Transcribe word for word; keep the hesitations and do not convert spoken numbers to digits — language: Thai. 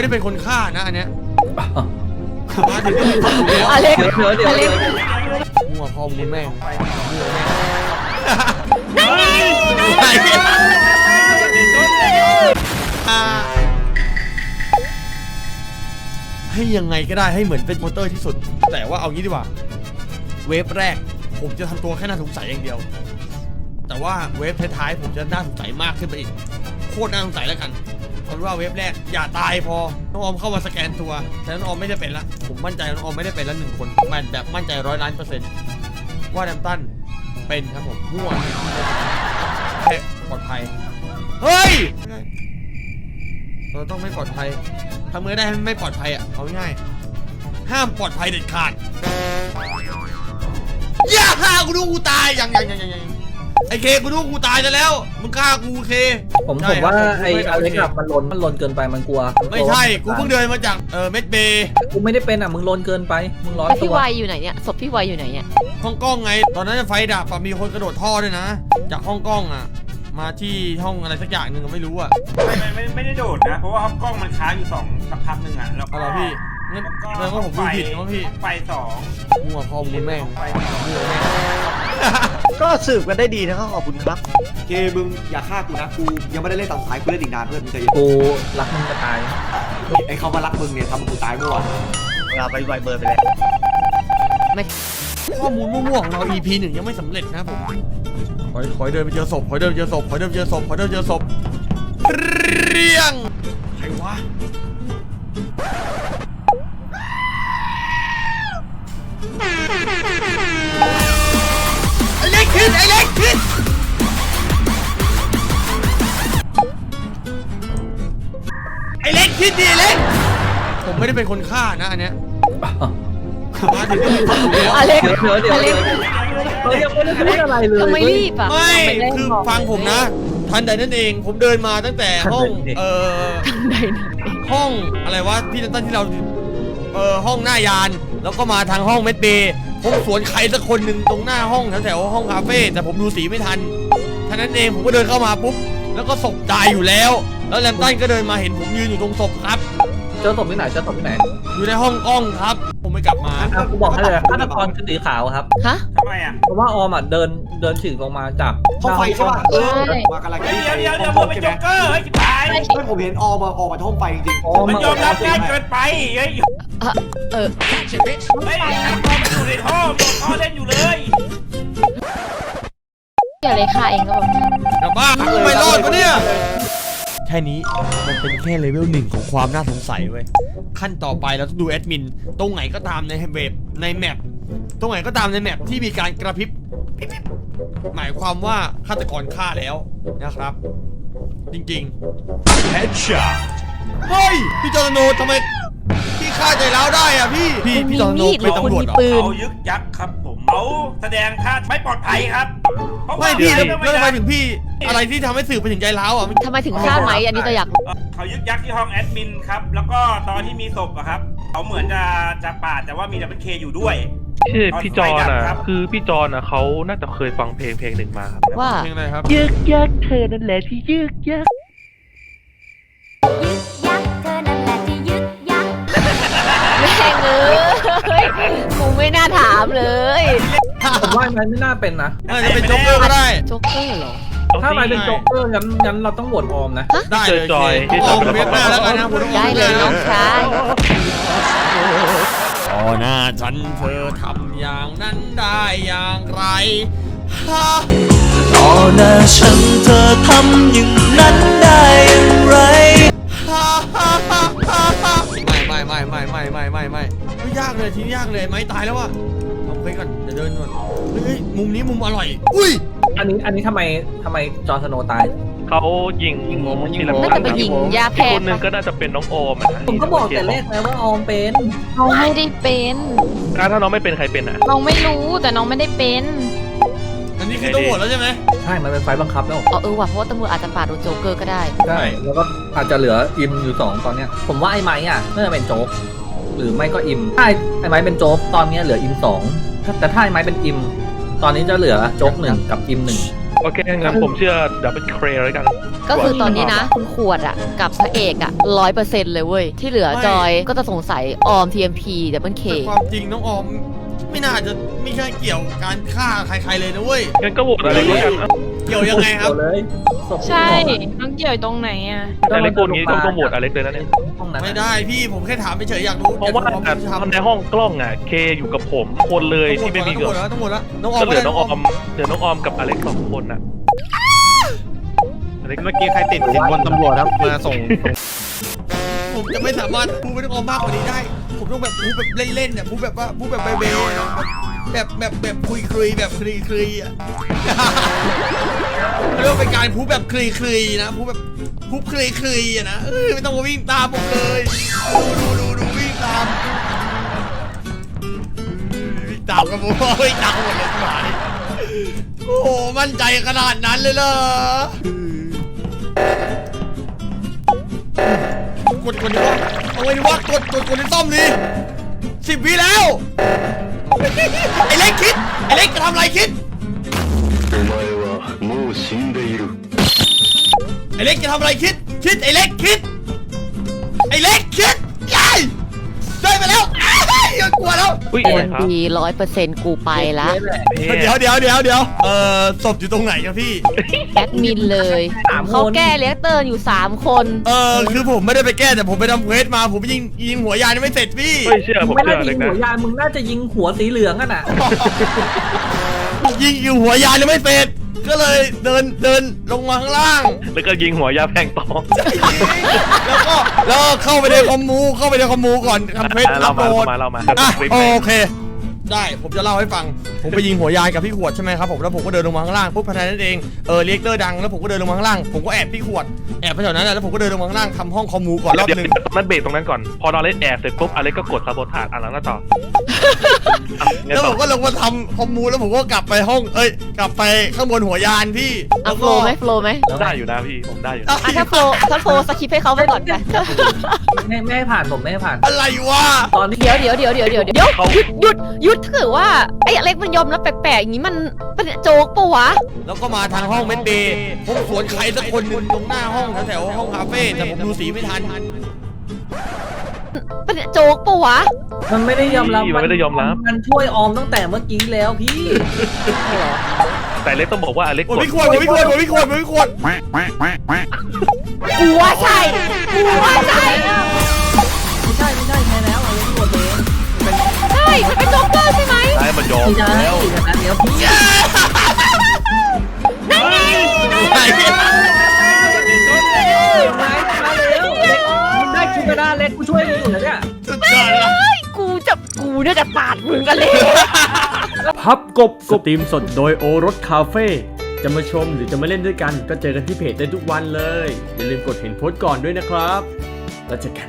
ไม่ได้เป็นคนฆ่านะอันเนี้ยมาถึงอเล็กเดี๋ยวเดี๋ยวอเล็กมั่วพอมูลแม่งให้ยังไงก็ได้ให้เหมือนเป็นโมเตอร์ที่สุดแต่ว่าเอางี้ดีกว่าเวฟแรกผมจะทำตัวแค่น่าสงสัยอย่างเดียวแต่ว่าเวฟท้ายๆผมจะน่าสงสัยมากขึ้นไปอีกโคตรน่าสงสัยแล้วกันเอาเป็นว่าเวฟแรกอย่าตายพอน้องออมเข้ามาสแกนตัวแต่น้องออมไม่ได้เป็นละผมมั่นใจน้องออมไม่ได้เป็นละหนึ่งคนมันแบบมั่นใจร้อยล้านเปอร์เซ็นต์ว่าแดมตันเป็นครับผมมั่วแค่ปลอดภัยเฮ้ยเราต้องไม่ปลอดภัยทำเมื่อได้ไม่ปลอดภัยอ่ะเอาง่ายห้ามปลอดภัยเด็ดขาดอย่าฆ่ากูดูกูตายยังยังยังยังไอเคกูดูกูตายจะแล้วมึงฆ่ากูเคผมผมว่าไอ้อเล็กมันลนมันลนเกินไปมันกลัวไม่ใช่กูเพิ่งเดินมาจากเออเมดเบย์กูไม่ได้เป็นอ่ะมึงลนเกินไปมึงร้อนตัวพี่วายอยู่ไหนเนี่ยศพพี่วายอยู่ไหนเนี่ยห้องกล้องไงตอนนั้นไฟดับมีคนกระโดดท่อด้วยนะจากห้องกล้องอ่ะมาที่ห้องอะไรสักอย่างหนึ่งไม่รู้อ่ะไม่ไม่ไม่ได้โดดนะเพราะว่าห้องกล้องมันค้างอยู่สองสักพักหนึ่งอ่ะแล้วก็อะไรพี่งั้นแปลว่าผมดูผิดนะพี่ไฟสองมั่วพอมูลแม่งก็สืบกันได้ดีนะครับขอบคุณครับเคมึงอย่าฆ่ากูนะกูยังไม่ได้เล่นตอนท้ายกูเล่นอีกนานเพื่อนมึงใจเย็นกูรักมึงจะตายไอ้เขามารักมึงเนี่ยทำกูตายเมื่อวานเราไปไวเบอร์ไปเลยไม่ข้อมูลมั่วๆของเรา อี พี หนึ่งยังไม่สำเร็จนะผมขอขอเดินไปเจอศพขอเดินไปเจอศพขอเดินไปเจอศพขอเดินไปเจอศพเรียงใครวะไอ้เล็กขึ้นไอ้เล็กขึ้นไอ้เล็กขึ้นดิเล็กผมไม่ได้เป็นคนฆ่านะอันเนี้ยมาถึงอเล็กเดี๋ยวเดี๋ยวเดี๋ยวเดี๋ยวเรายังไม่ได้พูดอะไรเลยทำไมรีบอ่ะไม่คือฟังผมนะทันใดนั่นเองผมเดินมาตั้งแต่ห้องเอ่อห้องอะไรวะพี่ตั้นที่เราเอ่อห้องหน้ายานแล้วก็มาทางห้องเมดเบย์ผมสวนใครสักคนหนึ่งตรงหน้าห้องแถวๆห้องคาเฟ่แต่ผมดูสีไม่ทันท่านั้นเองผมก็เดินเข้ามาปุ๊บแล้วก็ศพตายอยู่แล้วแล้วแลมตันก็เดินมาเห็นผมยืนอยู่ตรงศพครับเจอศพที่ไหนเจอศพที่ไหนอยู่ในห้องกล้องครับผมไม่กลับมากูบอกให้เลยฆาตกรคือสีขาวครับฮะทำไมอ่ะเพราะว่าออมอ่ะเดินเดินถึงลงมาจากห้องไฟใช่ป่ะเออมากำลังเดี๋ยวเดี๋ยวเดี๋ยวผมเป็นโจ๊กเกอร์เฮ้ยตายไม่ผมเห็นออมาออกมาห้องไฟจริงมันยอมรับง่ายเกินไปเฮ้ยเออเฮ้ยอยู่ในท่อท่อเล่นอยู่เลยเดี๋ยวเลยค่ะเองก็บอกกลับบ้านไม่รอดปะเนี่ยแค่นี้มันเป็นแค่เลเวลหนึ่งของความน่าสงสัยเว้ยขั้นต่อไปเราต้องดูแอดมินตรงไหนก็ตามในเว็บในแมปตรงไหนก็ตามในแมปที่มีการกระพริบหมายความว่าฆาตกรฆ่าแล้วนะครับจริงๆแฮชช็อตเฮ้ยพี่จอร์โนทำไมพี่ฆ่าใจร้าวได้อ่ะพี่พี่พี่จอร์โนเป็นตำรวจเหรอเขายึกยักครับผมเขาแสดงท่าไม่ปลอดภัยครับไม่พี่แล้วทำไมถึงพี่อะไรที่ทำให้สื่อไปถึงใจร้าวอ่ะทำไมถึงฆ่าไหมอันนี้จะอยากเขายึกยักที่ห้องแอดมินครับแล้วก็ตอนที่มีศพอะครับเขาเหมือนจะจะปาดแต่ว่ามีดับเบิลเคอยู่ด้วยคือพี่จอนอ่ะคือพี่จอนอ่ะเขาน่าจะเคยฟังเพลงเพลงหนึ่งมาครับว่าเพลงอะไรครับยึกยักเธอนั่นแหละที่ยึกยักยึกยักเธอนั่นแหละที่ยึกยักแม่งเอ้ยกูไม่น่าถามเลยผมว่ามันไม่น่าเป็นนะน่าจะเป็นโจ๊กเกอร์ก็ได้โจ๊กเกอร์เหรอถ้ามันเป็นโจ๊กเกอร์งั้นงั้นเราต้องโหวตออมนะได้เลยจอยออมเว็บหน้าแล้วกันนะคุณได้เลยน้องชายอ๋อหน้าฉันเธอทำอย่างนั้นได้อย่างไรต่อหน้าฉันเธอทำอย่างนั้นได้อย่างไรไม่ไม่ไม่ไม่ไม่ไม่ไม่ไม่ไม่ยากเลยทีนี้ยากเลยไม่ตายแล้วว่ะเอาไปก่อนเดี๋ยวเดินก่อนเฮ้ยมุมนี้มุมอร่อยอุ้ยอันนี้อันนี้ทำไมทำไมจอร์สโนตายเขายิงงงยิงน่าจะไปยิงยาแพ้คนนึงก็น่าจะเป็นน้องโอมผมก็บอกแต่แรกแล้วว่าออมเป็นน้องไม่ได้เป็นถ้าน้องไม่เป็นใครเป็นอ่ะน้องไม่รู้แต่น้องไม่ได้เป็นอันนี้คือต้องโหวตแล้วใช่ไหมใช่มันเป็นไฟบังคับแล้วอ๋อเออว่ะเพราะว่าตำรวจอาจจะปาดโดนโจ๊กเกอร์ก็ได้ใช่แล้วก็อาจจะเหลืออิมอยู่สองตอนเนี้ยผมว่าไอ้ไม้อ่ะน่าจะเป็นโจ๊กหรือไม่ก็อิมถ้าไอ้ไม้เป็นโจ๊กตอนนี้เหลืออิมสองแต่ถ้าไอ้ไม้เป็นอิมตอนนี้จะเหลือโจ๊กหนึ่งกับอิมหนึ่งโอเคงั้นผมเชื่อดับเบิลเครแล้วกันก็คือตอนนี้นะ คุณขวดอ่ะ กับพระเอกอ่ะร้อยเปอร์เซ็นต์เลยเว้ย ที่เหลือจอยก็จะสงสัยออม ที เอ็ม พี ดับเบิลเคแต่ความจริงน้องออมไม่น่าจะมีแค่เกี่ยวการฆ่าใครๆเลยนะเว้ยงั้นก็โหวตอะไรแล้วกันอ่ะเกี่ยวยังไงครับเลยศพใช่ น้องเกี่ยวตรงไหนอ่ะอเล็กโกนงี้ต้องต้องโหวตอเล็กเลยนะเนี่ยห้องนั้นไม่ได้พี่ผมแค่ถามเฉยๆอยากรู้เพราะว่าอยกรู้ควมยุติธรรมในห้องกล้องอ่ะเคอยู่กับผมคนเลยที่ไม่มีทั้เกิงหมดดแล้วทั้งหมดแล้วน้องออก็มเหลือน้องออมเหลือน้องออมกับอเล็กสองคนอ่ะอเล็กเมื่อกี้ใครติดสินบนตำรวจครับมาส่งผมจะไม่สามารถพูดไปน้องออมมากกว่านี้ได้ ผมต้องแบบพูดแบบเล่นๆเนี่ยพูดแบบว่าพูดแบบเบลๆแบบแบบแบบคุยคุยๆแบบคลีคลีๆอ่ะ เรียกว่าเป็นการพูดแบบคลีคลีๆนะพูดแบบพูดคลีคลีๆอ่ะนะเออไม่ต้องมาวิ่งตามผมเลยดูดูดูดูวิ่งตามวิ่งตามกันผมวิ่งตามหมดเลยหมานี่โอ้โหมั่นใจขนาดนั้นเลยเหรอกดกดดีวะเอาไว้ดีวะกดกดกดในซ่อมดิสิบวิแล้ว ไอ้เล็กคิดไอ้เล็กจะทำอะไรคิดไอ้เล็กจะทำอะไรคิดคิดไอ้เล็กคิดไอ้เล็กคิดยัยได้ไปแล้วอ้ายอย่ากลัวแล้วอุ้ยเอ็อะไรมครับพีร้อยเปอร์เซ็นต์กูไปละเดี๋ยวเดี๋ยวเดี๋ยวเดี๋ยวเอ่อศพอยู่ตรงไหนครับพี่แอดมินเลย เขาแก้เรียกเตอร์อยู่สามคนเออคือผมไม่ได้ไปแก้แต่ผมไปทำเควสมาผมยิงยิงหัวยานยังไม่เสร็จพี่ไม่เชื่อผมไม่เชื่น่าออจะเล็ยิกงนะหัวยานมึงน่าจะยิงหัวสีเหลืองอ่ะน่ะยิงอยู่หัวยานยังไม่เสร็จ ก็เลยเดินเดินลงมาข้างล่างแล้วก็ยิงหัวยาแพงตองแล้วก็แล้วก็เข้าไปในคอมมูเข้าไปในคอมมูก่อนทำเควสอ่ะอัเราพมาโหลเราดมาเรามาอ่ะคลิปโอไหนเค ได้ผมจะเล่าให้ฟัง ผมไปยิงหัวยานกับพี่ขวดใช่ไหมครับผมแล้วผมก็เดินลงมาข้างล่างปุ๊บภายในนั้นเองเออเรียกเตอร์ดังแล้วผมก็เดินลงมาข้างล่างผมก็แอบพี่ขวดแอบไปแถวนั้นแหละแล้วผมก็เดินลงมาข้างล่างทำห้องคอมมูก่อนรอบเดี๋ยวหนึ่งมันเบรกตรงนั้นก่อน พอเราเล่นแอบเสร็จปุ๊บอเล็กก็กดซาโบทาดอ่ะแล้วก็ต่ออ่ะงั้นแล้วต่ผอมก็ลงมาทำคอมมูแล้วผมก็กลับไปห้องเอ้ยกลับไปข้างบนหัวยานพี่เอาโฟลว์ไหมโฟลว์ไหมได้อยู่นะพี่ผมได้อยู่นะอ่ะถ้าโฟลว์ถ้าโฟลว์สคิปให้เขาไปก่อนไปไม่ไม่ให้ผ่านผมไม่ให้ผ่านอะไรวะตอนนี้เดี๋ยวเดี๋ยวเดี๋ยวเดี๋ยวเดี๋ยวเดี๋ยวหยุดหยุดหยุดถ้าเกิดว่าไอ้อเล็กมันยอมรับแปลกๆอย่างนี้มันเป็นโจ๊กปะวะแล้วก็มาทางห้องเมดเดย์ผมสวนใครสักคนหนึ่งตรงหน้าห้องแถวๆห้องคาเฟ่แต่ผมดูสีไม่ทันเป็นโจ๊กปะวะมันไม่ได้ยอมรับมันไม่ได้ยอมรับมันช่วยออมตั้งแต่เมื่อกี้แล้วพี่แต่เล็กต้องบอกว่าอเล็กโอ้กดพี่ขวดโอ้พี่ขวดโอ้พี่ขวดโอ้พี่ขวดกูว่าใช่กูว่าใช่ไม่ใช่ไม่ใช่แพ้แล้วเอาเลยตัวเองใช่มันเป็นโจ๊กเกอร์ใช่ไหมได้มันยอมไม่ใช่แล้วนะเดี๋ยวพี่นั่นไงไหนมาแล้วมึงได้คิวกระดาเล็กกูช่วยมึงอยู่นะเนี่ยสุดยอดละกูจะกูน่าจะปาดมึงกันเลยพับกบสตรีมสดโดยโอรสคาเฟ่จะมาชมหรือจะมาเล่นด้วยกันก็เจอกันที่เพจได้ทุกวันเลย อย่าลืมกดเห็นโพสต์ก่อนด้วยนะครับ แล้วเจอกัน